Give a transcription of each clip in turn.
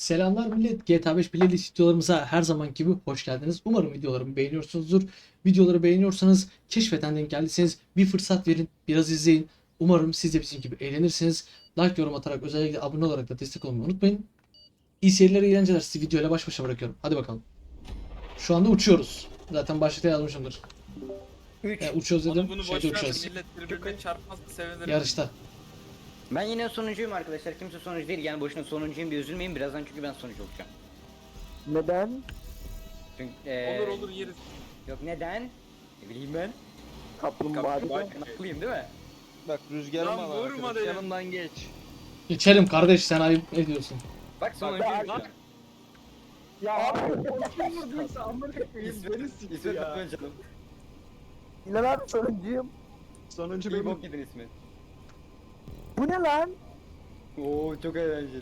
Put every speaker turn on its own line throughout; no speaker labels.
Selamlar millet. GTA 5 playlist videolarımıza her zaman gibi hoş geldiniz. Umarım videolarımı beğeniyorsunuzdur. Videoları beğeniyorsanız, keşfeten denk geldiyseniz bir fırsat verin, biraz izleyin. Umarım siz de bizim gibi eğlenirsiniz. Like, yorum atarak, özellikle abone olarak da destek olmayı unutmayın. İyi seyirler, iyi eğlenceler. Sizi videoyla baş başa bırakıyorum. Hadi bakalım. Şu anda uçuyoruz. Zaten başlıkta yazmışımdır.
3.
Uçuyoruz dedim.
Onu bunu
Şeyde
boş ver.
uçuyoruz.
Millet birbirine çarpmazsa sevinirim.
Yarışta.
Ben yine sonuncuyum arkadaşlar. Kimse sonuncu değil. Yani boşuna sonuncuyum diye üzülmeyin birazdan çünkü ben sonucu olacağım.
Neden?
Çünkü
Olur olur yeriz.
Yok neden? Ne bileyim ben.
Kaplumbağa.
Ben haklıyım değil mi?
Bak rüzgarım
Lan
var
vurma
arkadaş.
dedim.
Yanımdan geç.
Geçelim kardeş, sen ayıp ediyorsun.
Bak sonuncuyum şu an.
Ya abi kim vurduysa amına koyayım beni sikti
İsmet
ya.
lütfen canım.
İlan abi sonuncuyum.
Sonuncu
İyi
benim.
bok yedin İsmet.
Bu ne lan?
Oo çok eğlenceli.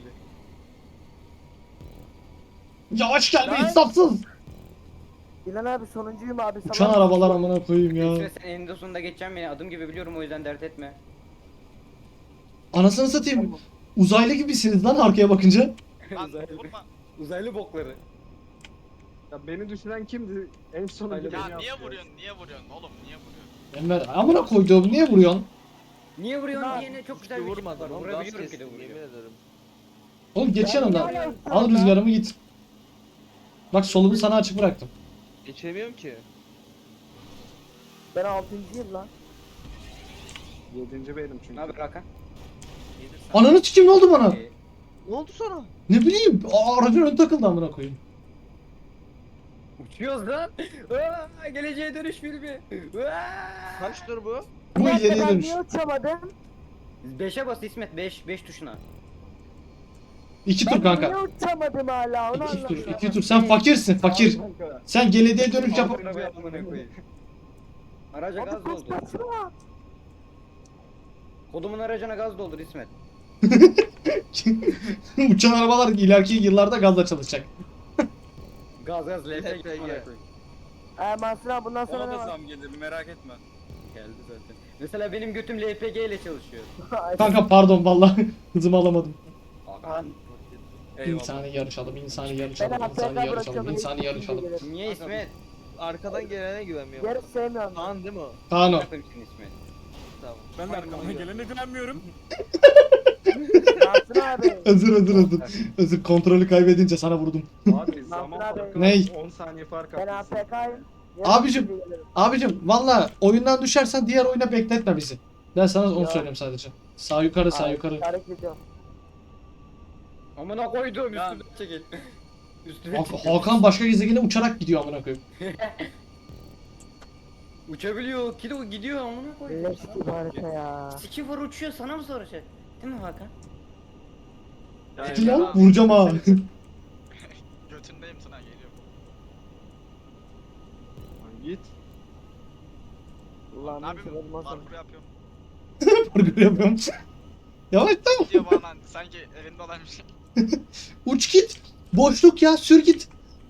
Yavaş gelme insafsız.
İlan abi sonuncuyum abi.
Uçan arabalar amına koyayım ya.
İsmet sen eninde sonunda geçeceğim beni adım gibi biliyorum o yüzden dert etme.
Anasını satayım. Uzaylı gibisiniz lan arkaya bakınca.
Lan
Uzaylı-
vurma.
Uzaylı bokları.
Ya beni düşüren kimdi? En sonunda
Ya
beni
Ya
yaptı.
niye vuruyorsun? Niye vuruyorsun oğlum? Niye vuruyorsun?
Enver amına koyduğum niye vuruyorsun?
Niye vuruyorsun
Lan,
diyene çok
Hiç
güzel
de
bir şey
vurmadım
var.
ama gaz
Vurabiliyorum ki
kestim
de
yemin
vuruyor.
ederim.
Oğlum geç yanımdan.
Ya,
Al rüzgarımı git. Bak solumu sana açık bıraktım.
Geçemiyorum ki.
Ben 6.'yim lan.
7. benim çünkü.
Ne haber Hakan?
Ananı sikeyim, ne oldu bana?
Ne oldu sana?
Ne bileyim. Aracın ön takıldı amına koyayım.
Uçuyoruz lan. Aa, geleceğe dönüş filmi. Aa.
Kaçtır bu?
Bu
Bir dakika,
ileriye
ben
dönüş.
niye uçamadım?
5'e bas İsmet 5 tuşuna.
2
Ben
tur kanka.
niye uçamadım hala onu
2 tur,
anlamadım.
2 tur. Sen fakirsin, fakir.
Kanka.
Sen geleceğe dönüş yap.
Araca
Abi
gaz
kaç
doldur.
kaçma.
Kodumun aracına gaz doldur İsmet.
Uçan arabalar ileriki yıllarda gazla çalışacak.
Gaz LPG.
LPG.
Mansur abi bundan sonra
Ona
ne
da
var?
zam gelir merak etme.
Geldi zaten. Mesela benim götüm LPG ile çalışıyor.
Kanka pardon vallahi hızımı alamadım.
Hakan.
Eyvallah.
İnsani yarışalım, insani
Ben
yarışalım, insani
AFK
yarışalım,
bırakıyorum.
insani yarışalım.
Niye İsmet?
Arkadan gelene güvenmiyorum.
Yarış sevmiyorum.
Kaan değil mi o?
Kaan o.
Bırakın şimdi İsmet.
Tamam.
Ben de arkamdan gelene güvenmiyorum.
Mansur abi.
Özür. Özür, kontrolü kaybedince sana vurdum.
Abi zaman
abi.
farkı
Ney?
var. 10 saniye fark
Ben
atmışsın.
AFK'yim.
Abicim. Abicim valla oyundan düşersen diğer oyuna bekletme bizi. Ben sana onu
Ya.
söyleyeyim sadece. Sağ yukarı, sağ yukarı.
Hareket ediyorum.
Amına koydum
Ya.
üstüne çekil. Üstüne
Hakan başka gezegene uçarak gidiyor amına koyayım.
Uçabiliyor. Gidiyor amına koydum.
Leş gibi harita ya.
Siki var uçuyor sana mı soracak? Değil mi Hakan?
Hadi lan vuracağım ha.
Götündeyim sana geliyorum.
Lan Git.
Ulan
Ne yapayım?
neyse, Mansur.
Parkur yapıyorum.
Parkur yapıyorum. Yavaş tamam.
Diyor bana sanki evinde olan bir şey.
Uç git. Boşluk ya, sür git.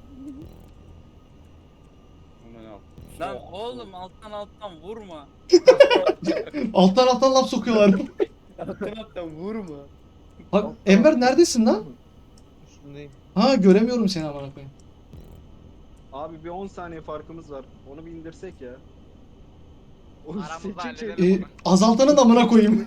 Aman al.
Lan oğlum alttan vurma.
Alttan laf sokuyorlar.
Alttan vurma.
Bak Enver neredesin lan?
Üstündeyim.
Ha göremiyorum seni amına koyayım.
Abi bir 10 saniye farkımız var. Onu bir indirsek ya. O
Aramızda
seçecek
halledelim.
şey.
Azaltanın da amına koyayım.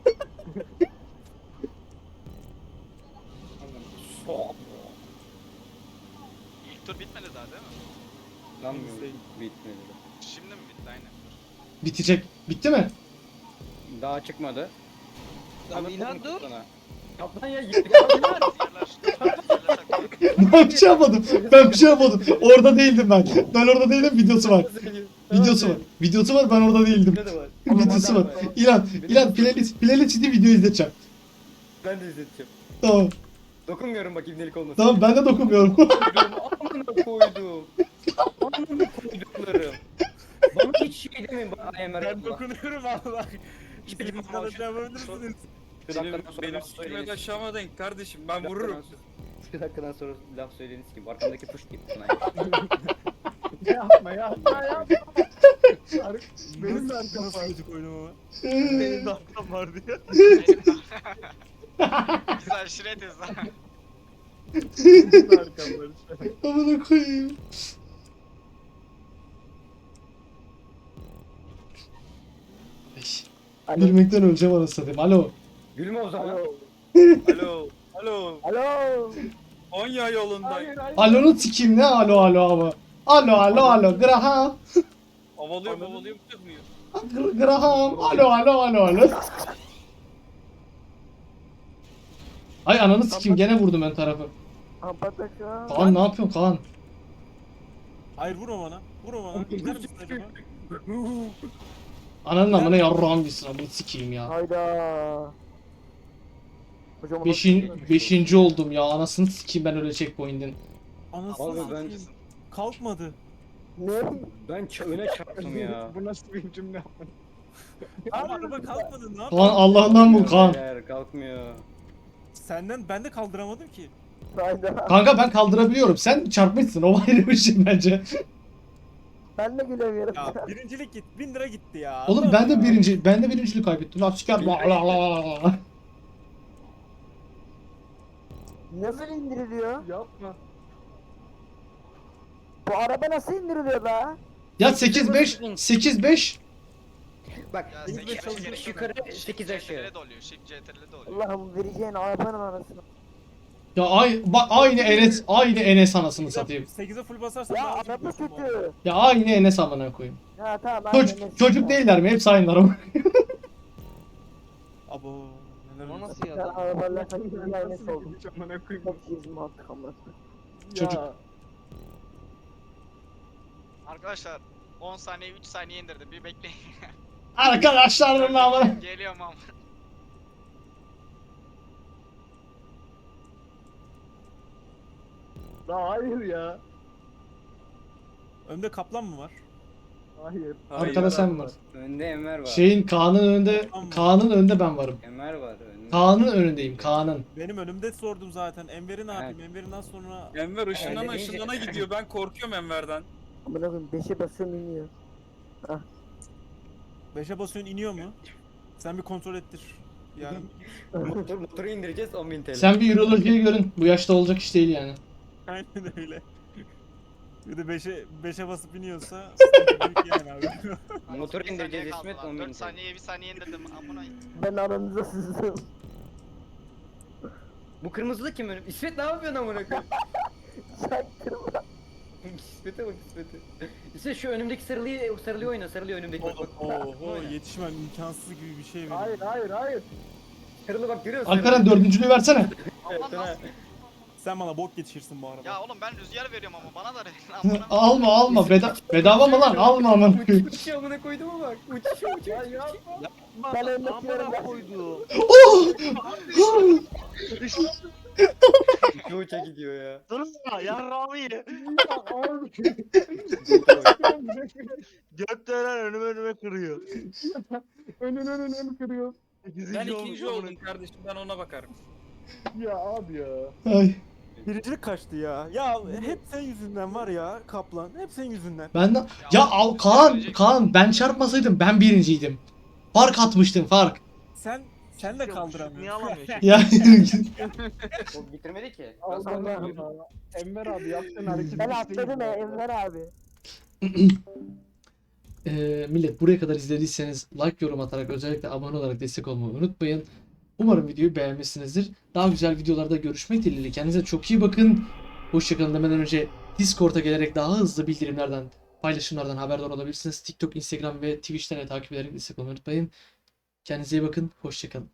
İlk tur bitmedi daha değil mi?
Lan bitmedi.
Şimdi mi bitti aynen.
Bitecek. Bitti mi?
Daha çıkmadı.
Abi İlhan dur.
Kaplan ya
Rüzgarlar. Rüzgarlar takıyor.
Ben bir şey yapmadım. Ben bir şey yapmadım. Orada değildim ben. Ben orada değilim, videosu var. Videosu var. Videosu var, ben orada değildim.
Ne de var?
Videosu var. İlan playlist video izleteceğim.
Ben de izleteceğim.
Tamam.
Dokunmuyorum bak ibnelik olmasın.
Tamam ben de dokunmuyorum.
Amına koydum. Amına koyduklarım. Bana hiç şey demeyin bana AMR
Ben
yapma.
dokunuyorum Allah.
İstediğim
İstediğiniz kadar
ama-
yapabilirsiniz.
Bir
Benim,
dakikadan sonra
benim
laf
sikime
söyleyiniz.
aşağıma denk kardeşim ben vururum.
Bir dakikadan sonra laf söyleyiniz kim? Arkamdaki push gibi.
Yapma yapma. Benim de arkam
Nasıl
var.
gıcık oyunum ama.
Benim de arkam var diye.
Benim de- Biz aşiretiz lan.
Amına koyayım. Ay, gülmekten öleceğim anasını satayım. Alo.
Gülme o zaman.
Alo. Alo.
Alo.
Konya yolundayım.
Alo'nu sikeyim ne alo ama. Alo. Graham.
Havalıyorum çıkmıyor.
Graham. Alo. Ay ananı sikeyim gene vurdum ön tarafı.
Ampataka.
Kaan ne yapıyorsun Kaan?
Hayır vurma bana. Vurma bana. Gider misin acaba?
Ananın amına yarrağım gitsin amına sikeyim ya.
Hayda. Hocam
Beşinci oldum ya anasını sikeyim ben öyle checkpoint'in.
Anasını
Abi ben
satayım. Kalkmadı.
Ne?
öne çarptım ya.
Bu nasıl bir cümle?
Ama araba kalkmadı. Ne
Kaan
yapayım?
Allah'ından bul Kaan.
Beyler, kalkmıyor.
Senden ben de kaldıramadım ki.
Hayda.
Kanka ben kaldırabiliyorum. Sen çarpmışsın. O ayrı bir şey bence.
Ben de gülemiyorum.
Ya birincilik git. 1000 lira gitti ya.
Oğlum ben de birincilik kaybettim. Lan siker.
Nasıl indiriliyor?
Yapma.
Bu araba nasıl indiriliyor la?
Ya 8-5
Ya
Bak
8
5 yukarı 8 aşağı.
CTRL'de oluyor. Shift CTRL'de oluyor.
Allah'ım vereceğin arabanın anasını.
Ya aynı Enes anasını satayım.
8'e full basarsan
Ya
daha
araba
gidiyorsun bu arada.
kötü.
Ya aynı Enes amına koyayım.
Ha tamam. aynen.
Çocuk değiller mi? Hepsi aynılar ama.
Abo. Neler
O
oluyor?
nasıl
Ben
ya?
arabalarla bir aynısı
Nasıl
oldum.
bir amına koyayım?
Çok izim attık ama.
Çocuk.
Ya,
Arkadaşlar 10 saniye 3 saniye indirdim. Bir bekleyin.
Arkadaşlar bunun amına.
Geliyorum ama.
la hayır ya.
Önde kaplan mı var?
Hayır.
Arkada sen var.
Önde Enver var.
Kaan'ın önünde ben varım.
Enver var önde.
Kaan'ın önündeyim. Kaan'ın.
Benim önümde sordum zaten. Enver'i ne yapayım? Enver'inden sonra...
Enver ışınlana
Öyle deyince-
ışınlana gidiyor. Ben korkuyorum Enver'den.
Amına koyayım 5'e basıyorum iniyor.
5'e basıyorsun iniyor mu? Sen bir kontrol ettir. Yani
Motoru indireceğiz 10.000 TL.
Sen bir ürolojiye görün. Bu yaşta olacak iş değil yani.
aynen öyle. Bir de 5'e basıp iniyorsa sıkıntı büyük yani abi.
Motoru
8
indireceğiz
saniye
İsmet,
kaldı lan.
10.000
4
TL.
saniyeye 1 saniye indirdim. Amına.
Ben aranıza sızdım.
Bu kırmızılı kim önüm? İsmet ne yapıyorsun amına koyayım?
Çaktırma.
İsmet'e bak İsmet'e. İsmet şu önümdeki sarılıyı oyna, sarılıyor önümdeki bak bak.
Oho
Oyna.
yetişmem imkansız gibi bir şey benim.
Hayır.
Sarılı bak görüyor musun?
Alperen dördüncülüğü versene.
Aman nasıl?
Sen bana bok yetişirsin bu arada.
Ya oğlum ben rüzgar veriyorum ama bana da verin. Amına.
Alma. Bedava mı lan? Alma amına koyayım.
Uçuyor amına koydum ama bak. Uçuyor.
Ben önündeki
Amına
yarım
koydu.
Uça gidiyor ya.
Durma yarrağımı ye. Gökdelen önüme kırıyor.
Önünü kırıyor.
Ben ikinci oldum kardeşim. Ben ona bakarım.
Ya abi ya.
Ay.
Birincilik kaçtı ya. Ya hep sen yüzünden var ya Kaplan. Hep senin yüzünden.
Ben de... Ya al Kaan ben çarpmasaydım ben birinciydim. Fark atmıştım fark.
Sen de kaldıramıyorsun.
Niye alamıyor?
Ya
O bitirmedi ki.
Allah'ım.
Enver abi yaptığın hareket
Ben
hiç değil
atladım
ya.
Enver abi.
Millet buraya kadar izlediyseniz like, yorum atarak özellikle abone olarak destek olmayı unutmayın. Umarım videoyu beğenmişsinizdir. Daha güzel videolarda görüşmek dileğiyle. Kendinize çok iyi bakın. Hoşçakalın demeden önce Discord'a gelerek daha hızlı bildirimlerden, paylaşımlardan haberdar olabilirsiniz. TikTok, Instagram ve Twitch'ten de takip ederek destek olmayı unutmayın. Kendinize iyi bakın. Hoşçakalın.